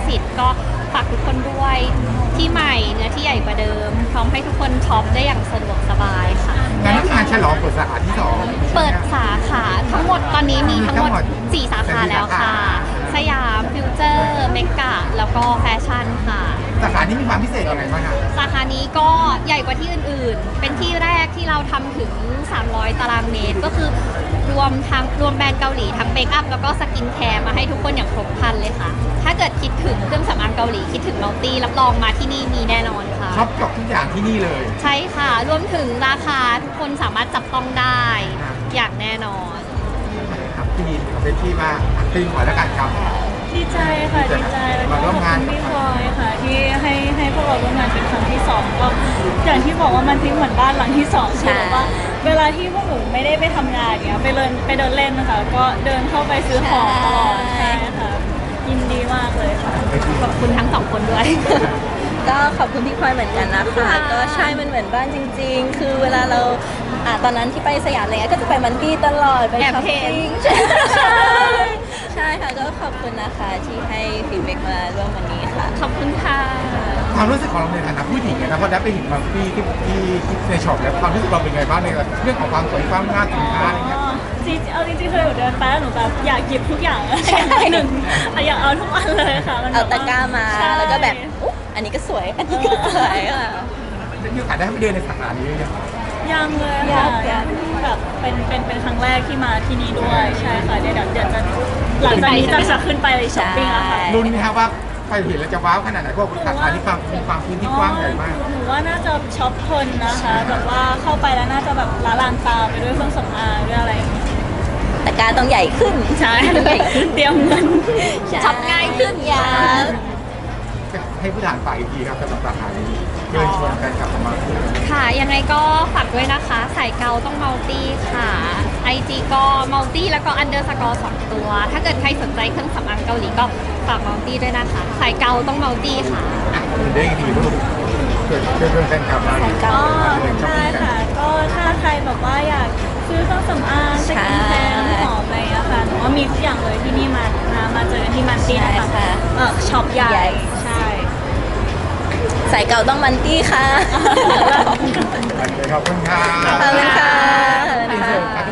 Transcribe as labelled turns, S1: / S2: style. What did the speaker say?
S1: สิทธิ์ก็ฝากทุกคนด้วยที่ใหม่เนื้อที่ใหญ่กว่าเดิมพร้อมให้ทุกคนช็อปได้อย่างสะดวกสบายค่ะ
S2: งานฉลองเปิดสาขาที่2
S1: เปิดสาขาทั้งหมดตอนนี้มีทั้งหมด4 สาขาแล้วค่ะสยามฟิวเจอร์เมกะแล้วก็แฟชั่นค่ะ
S2: สาขานี้มีความพิเศษยังไงบ้างคะ
S1: สาขานี้ก็ใหญ่กว่าที่อื่นๆเป็นที่แรกที่เราทำถึง300 ตารางเมตรก็คือรวมแบรนด์เกาหลีทั้งเมคอัพแล้วก็สกินแคร์มาให้ทุกคนอย่างครบครันเลยค่ะถ้าเกิดคิดถึงเครื่องสำอางเกาหลีคิดถึงมัลตี้รับรองมาที่นี่มีแน่นอนค่ะ
S2: ช็อปจบทุกอย่างที่นี่เลย
S1: ใช่ค่ะรวมถึงราคาทุกคนสามารถจับต้องได้อย่างแน่นอน
S2: ครับที่เอาเป็นที่มาตีหัวแล้วกันครับ
S3: ดีใจค่ะดีใจแล้วก็ขอบคุณพี่พลอยค่ะที่ให้พวกเราร่วมงานเป็นครั้งที่2ก็อย่างที่บอกว่ามันทิ้งเหมือนบ้านหลังที่2คือว่าเวลาที่พวกหนูไม่ได้ไปทำงานเนี้ยไปเดินเล่นนะคะก็เดินเข้าไปซื้อของตลอดใช่ค่ะยินดีมากเลยค่ะ
S1: ขอบคุณทั้ง2 คนด้วย
S4: ก็ขอบคุณพี่พลอยเหมือนกันนะคะก็ใช่มันเหมือนบ้านจริงๆคือเวลาเราตอนนั้นที่ไปสยามอะไรเงี้ยก็จะไปมันตี้ตลอดไปช้อปปิ้งใช่ค่ะก็ขอบคุณนะคะที่ให้ฟีดแบ็กมาร่วมวันนี้ค่ะ
S1: ขอบคุณค่ะ
S2: ความรู้สึกของเราในฐานะผู้หญิงนะพอได้ไปเห็นบางที่ในช็อปแล้วความรู้สึกเราเป็นไงบ้างในเรื่องของความสวยความงามสินค้าอะไรเงี้ย
S3: เอาจริงๆเคยหนูเดินไปแล้วหนูแบบอยากหยิบทุกอย่างหนึ่งอยากเอาทุกอันเลยค่ะ
S4: เอาตะกร้ามาแล้วก็แบบอันนี้ก็สวยอันนี้ก็สวยค่ะ
S2: มีโอกาสได้ไปเดินในสาขานี้
S3: ยังเลยค่ะแบบเป็นครั้งแรกที่มาที่นี่ด้วยใช่ค่ะเดี๋ยวจะหลังจากนี้จะขึ้นไปช้อปปิ้งแล้วค่ะ
S2: รุ่นนี้ครับว่าไปเห็นแล้วจะว้าวขนาดไหนพวกสาขาที่มีความพื้นที่กว้างใหญ่มาก
S3: หนูว่าน่าจะช็อปเพลินนะคะแบบว่าเข้าไปแล้วน่าจะแบบละลานตาไปด้วยเครื่องสำอางด้วยอะไรอย่างงี้
S4: ตะกร้าต้องใหญ่ขึ้น
S3: ใช่ต้องใหญ่ขึ้นเตรียมเงิน
S4: ช็อปง่ายขึ้นยา
S2: ให้ผู้ทานไปอีกทีครับสำหรับสาขานี้เชิญชวนกันกลับมา
S1: ค่ะยังไงก็ฝากด้วยนะคะสายเกาต้องมัลตี้ค่ะ IG ก็มัลตี้แล้วก็_2 ตัวถ้าเกิดใครสนใจเครื่องสำอางเกาหลีก็ฝากมัลตี้ด้วยนะคะสายเกาต้องมัลตี้ค่ะ
S2: ได้ดีลูกเกิดแฟนคลับมา
S3: ใช่ค่ะก็ถ้าใครแบบว่าอยากซื้อเครื่องสำอางสกินแคร์น้ำหอมอะไรอย่างเงี้ยค่ะหนูว่ามีทุกอย่างเลยที่นี่มาเจอกันที่มันตี้นะคะช็อปใหญ่ใช่
S4: สายเก่าต้องมันตี้ค่ะ
S2: ขอบคุณค่ะ
S4: ขอบคุณค่ะ